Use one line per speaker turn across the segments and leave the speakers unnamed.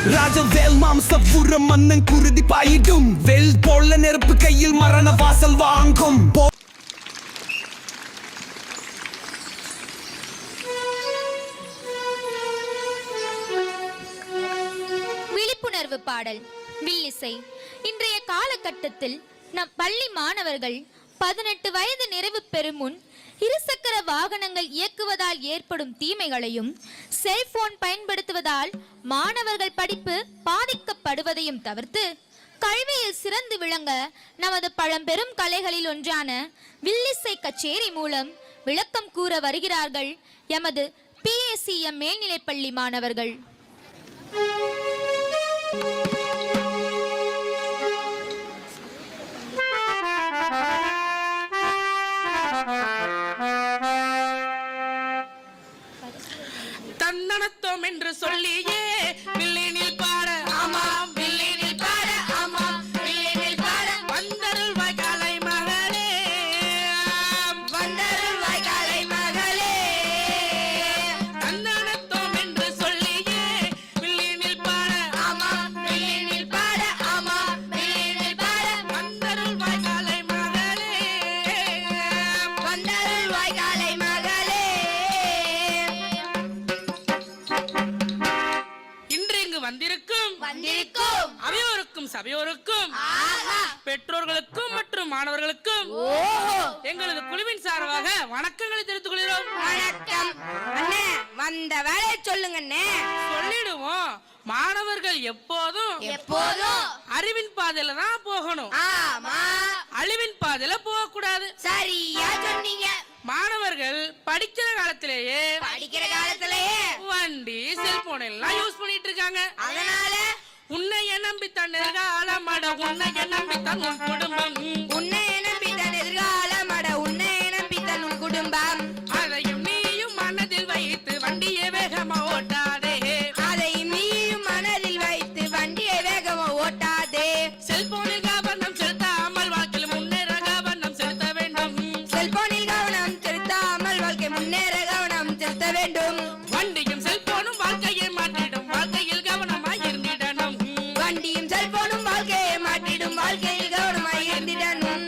ராஜவேல் மாம்சபுரம் மன்னன் குருதி பாயிடும் வெல் போல நெருப்பு கையில் மரண வாசல் வாங்கும்.
விழிப்புணர்வு பாடல் வில்லிசை. இன்றைய காலகட்டத்தில் நம் பள்ளி மாணவர்கள் 18 வயது நிறைவு பெறும் முன் இருசக்கர வாகனங்கள் இயக்குவதால் ஏற்படும் தீமைகளையும், செல்போன் பயன்படுத்துவதால் மாணவர்கள் படிப்பு பாதிக்கப்படுவதையும் தவிர்த்து கல்வியில் சிறந்து விளங்க நமது பழம்பெரும் கலைகளில் ஒன்றான வில்லிசை கச்சேரி மூலம் விளக்கம் கூற வருகிறார்கள் எமது PACM மேல்நிலைப்பள்ளி மாணவர்கள்.
தன்னனத்தோம் என்று சொல்லியே வில்லினில் பாட ஆமாம், வில்லினில் பாட ஆமாம், வில்லினில் பாட வந்தருள் வாய்க்காலை மகளே, வந்தருள் வாய்க்காலை மகளே. தன்னனத்தோம் என்று சொல்லியே வில்லினில் பாட ஆமாம், வில்லினில் பாட ஆமாம், வில்லினில் பாட வந்தருள் வாய்க்காலை மகளே, வந்தருள் வாய்க்காலை மகளே. வந்திருக்கும் அவையோருக்கும் சபையோருக்கும் பெற்றோர்களுக்கும் மற்றும் மாணவர்களுக்கும் எங்களது குழுவின் சார்பாக வணக்கங்களை தெரிவித்துக் கொள்கிறோம்.
வணக்கம் அண்ணே. வந்த வேலையை சொல்லுங்க அண்ணே.
சொல்லிடுவோம். மாணவர்கள் எப்போதும் அறிவின் பாதையில தான் போகணும்.
ஆமா,
அழிவின் பாதையில போக கூடாது.
சரியா சொன்னீங்க.
மாணவர்கள் படிக்கிற காலத்திலேயே வண்டி செல்போன் எல்லாம் யூஸ் பண்ணிட்டு இருக்காங்க.
அதனால
உன்னைய நம்பித்தான் எதிர்காலமட, உன்னைய நம்பித்தான் உன் குடும்பம்,
உன்னைய நம்பித்தான் எதிர்காலமட, உன்னைய நம்பித்தான் உன் குடும்பம்.
அதையும் நீயும் மனதில் வைத்து வண்டியை வேகமா ஓட்டாதே,
அதையும் நீயும் மனதில் வைத்து வண்டியை வேகமா ஓட்டாதே.
செல்போனில் கவனம் செலுத்தாமல் வாழ்க்கையில் முன்னேற கவனம் செலுத்த வேண்டும்,
செல்போனில் கவனம் செலுத்தாமல் வாழ்க்கை முன்னேற கவனம் செலுத்த வேண்டும்.
வண்டியும் செல்போனும் வாழ்க்கையை மாற்றிடும், வாழ்க்கையில் கவனமாய் இருந்திடணும்,
வண்டியும் செல்போனும் வாழ்க்கையை மாற்றிடும், வாழ்க்கையில் கவனமாய் இருந்திடணும்.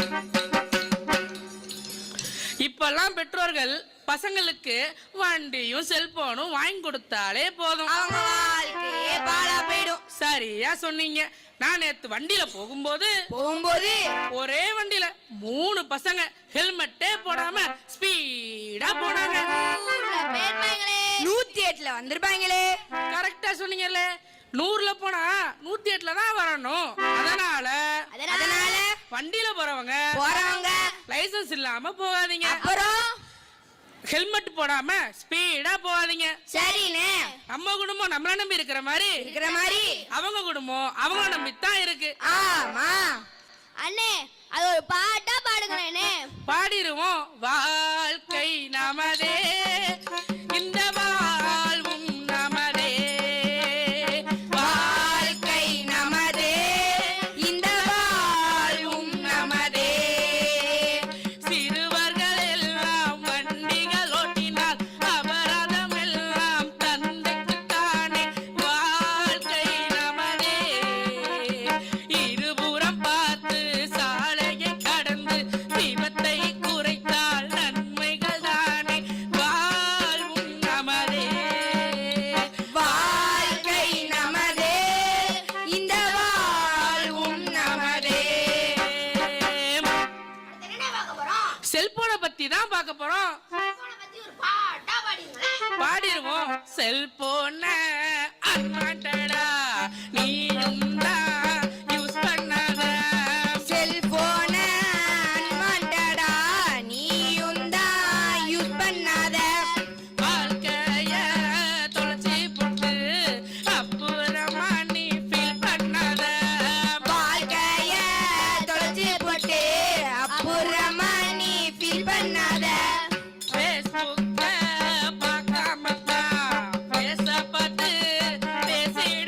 இப்பெல்லாம் பெற்றோர்கள் பசங்களுக்கு வண்டியும் செல்போனும் வாங்கி கொடுத்தாலே போதும்,
அவங்க வாழ்க்கையே பாழா போயிடும்.
சரியா சொன்னீங்க. நான் நேத்து வண்டியில போகும்போது ஒரே வண்டியில 3 பசங்க ஹெல்மெட்டே போடாம ஸ்பீடா போனாங்க.
108ல வந்திருப்பாங்களே.
கரெக்டா சொன்னீங்கல்ல. 100ல போனா 108ல தான் வரணும். அதனால வண்டியில போறவங்க லைசன்ஸ் இல்லாம போகாதீங்க,
அப்புறம்
ஹெல்மெட் போடாம ஸ்பீடா போகாதீங்க.
சரிண்ணே.
நம்ம குடும்பம் நம்மள நம்பி இருக்கிற மாதிரி அவங்க குடும்பம் அவங்கள நம்பி தான் இருக்கு.
ஆமா
அண்ணே, அது ஒரு பாட்டா பாடுங்களேனே.
பாடிடுவோம். வாழ்க்கை நமதே, இந்த வாழ்வும் நமதே,
வாழ்க்கை நமதே, இந்த வாழ்வும் நமதே.
சிறுவர்கள் எல்லாம் வண்டிகள் ஓட்டினால் அபராதம் எல்லாம் தந்தைக்குத்தானே. வாழ்க்கை நமதே, இருபுறம் பார்த்து சாலையை கடந்து விபத்தை குறைத்தால் நன்மைகள் தானே. வாழ்வும் நமதே,
வாழ்க்கை நமதே, இந்த வாழ்வும் நமதே.
செல்போனை பத்தி தான் பார்க்க போறோம். பாடிடுவோம். செல்போன அன்வான்டடா நீயும் தான் யூஸ் பண்ணாத,
செல்போன அன்வான்டடா நீயும் தான் யூஸ் பண்ணாத,
வாழ்க்கைய தொலைச்சி போட்டு அப்புறமா நீ ஃபீல் பண்ணாத,
வாழ்க்கைய தொலைச்சி போட்டு அப்புறமா நீ ஃபீல் பண்ணாத.
ஃபேஸ்புக்க பார்க்காம தான் பேச பார்த்து பேசிட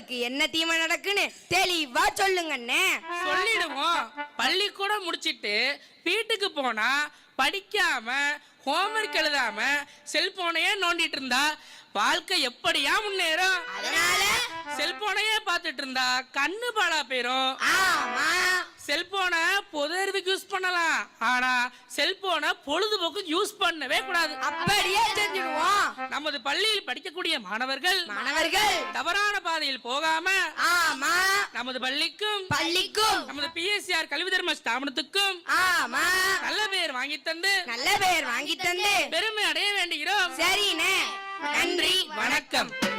உங்களுக்கு என்ன தீமை நடக்குன்னு தெளிவா சொல்லுங்கண்ணே.
சொல்லிடுவோம். பள்ளிக்கூடம் முடிச்சிட்டு வீட்டுக்கு போனா படிக்காம ஹோம்ஒர்க் எழுதாம செல்போனையே நோண்டிட்டு இருந்தா வாழ்க்கை எப்படியா முன்னேறும்?
அதனால
செல்போனையே பார்த்துட்டு இருந்தா கண்ணு பாழா போயிரும்.
ஆமா,
செல்போனை பொது அறிவுக்கு யூஸ் பண்ணலாம், ஆனா செல்போனை பொழுதுபோக்கு யூஸ் பண்ணவே கூடாது.
அப்படியே செஞ்சிடுவோம்.
நமது பள்ளியில் படிக்கக்கூடிய மாணவர்கள் தவறான பாதையில் போகாம
ஆமா
நமது பள்ளிக்கும் நமது PSR கல்வி தர்ம ஸ்தாபனத்துக்கும்
ஆமா
நல்ல பேர் வாங்கி தந்து
நல்ல பேர் வாங்கி தந்து
பெருமை அடைய வேண்டுகிறோம்.
சரிண்ணே, நன்றி,
வணக்கம்.